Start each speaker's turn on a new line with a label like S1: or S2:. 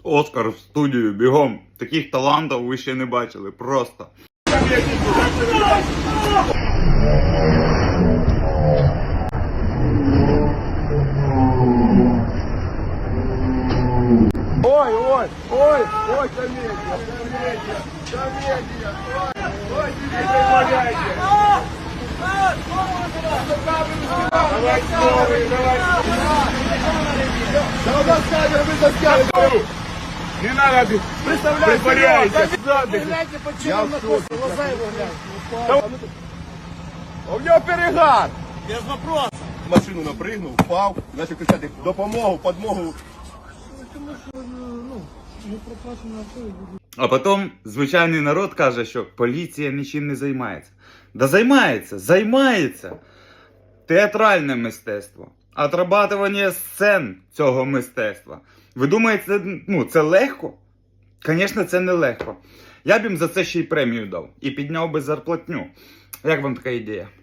S1: Оскар в студію, бігом. Таких талантів ви ще не бачили, просто.
S2: Ой, ой, ой, ой, комедия, комедия, комедия, ой, не притворяйте. Давай новый, давай. Да у нас камера, мы заскали. Не надо, притворяйте.
S3: Гляньте, почему он находится, глаза его гляньте.
S2: У нього перегар.
S3: Без вопроса.
S2: Машину напригнув, впав, почав кричати допомогу, подмогу.
S1: А потім звичайний народ каже, що поліція нічим не займається. Да займається, займається. Театральне мистецтво. Отрабатування сцен цього мистецтва. Ви думаєте, це легко? Звісно, це не легко. Я б їм за це ще й премію дав. І підняв би зарплатню. Як вам така ідея?